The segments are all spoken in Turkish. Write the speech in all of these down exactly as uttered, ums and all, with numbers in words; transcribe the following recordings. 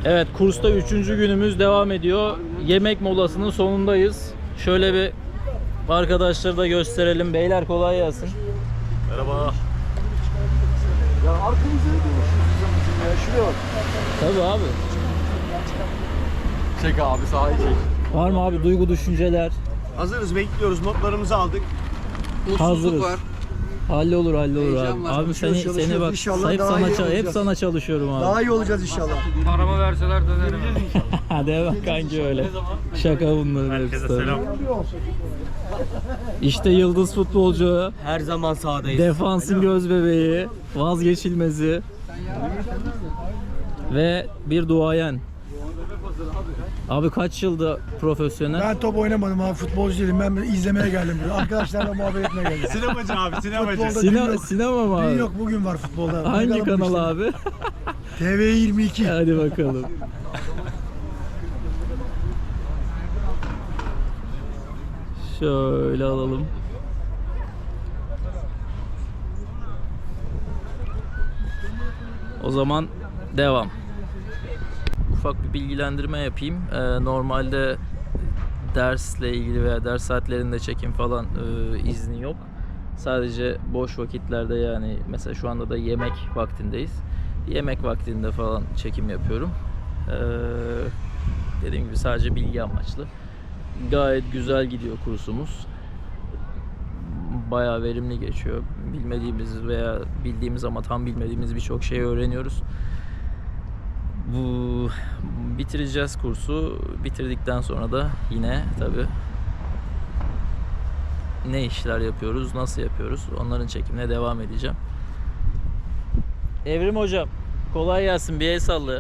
Evet, kursta üçüncü günümüz devam ediyor. Yemek molasının sonundayız. Şöyle bir arkadaşları da gösterelim. Beyler kolay gelsin. Merhaba. Ya arkamızda ne konuşuyorsun ya? Şuraya bak. Tabii abi. Çek abi, sahayı çek. Var mı abi duygu düşünceler? Hazırız, bekliyoruz. Notlarımızı aldık. Hazırız. var. Hallolur hallolur Heyecan abi. var. Abi seni Çalışıyoruz, seni bak inşallah hep daha sana iyi ça- hep olacağız. sana çalışıyorum abi. Daha iyi olacağız inşallah. Paramı verseler dönerim. Hadi bak kanki öyle. Şaka bunların hepsi. tabii. İşte yıldız futbolcu, Her zaman sahadayız. defansın göz bebeği, vazgeçilmezi ve bir duayen. Abi kaç yılda profesyonel? Ben top oynamadım abi, futbolcu değilim. Ben izlemeye geldim buraya. Arkadaşlarla muhabbet etmeye geldim. Sinemacı abi, sinemacı. Futbolda Sine- dün yok. sinema mı Dün abi? yok, bugün var futbolda. Hangi Bakalım bu kanal işte. abi? T V yirmi iki. Hadi bakalım. Şöyle alalım. O zaman devam. Ufak bir bilgilendirme yapayım. Ee, normalde dersle ilgili veya ders saatlerinde çekim falan e, izni yok. Sadece boş vakitlerde, yani mesela şu anda da yemek vaktindeyiz. Yemek vaktinde falan çekim yapıyorum. Ee, dediğim gibi sadece bilgi amaçlı. Gayet güzel gidiyor kursumuz. Bayağı verimli geçiyor. Bilmediğimiz veya bildiğimiz ama tam bilmediğimiz birçok şey öğreniyoruz. Bu bitireceğiz kursu. Bitirdikten sonra da yine tabii ne işler yapıyoruz, nasıl yapıyoruz, onların çekimine devam edeceğim. Evrim hocam, kolay gelsin, bir el salla.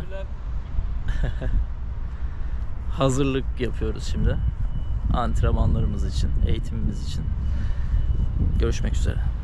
Hazırlık yapıyoruz şimdi. Antrenmanlarımız için, eğitimimiz için. Görüşmek üzere.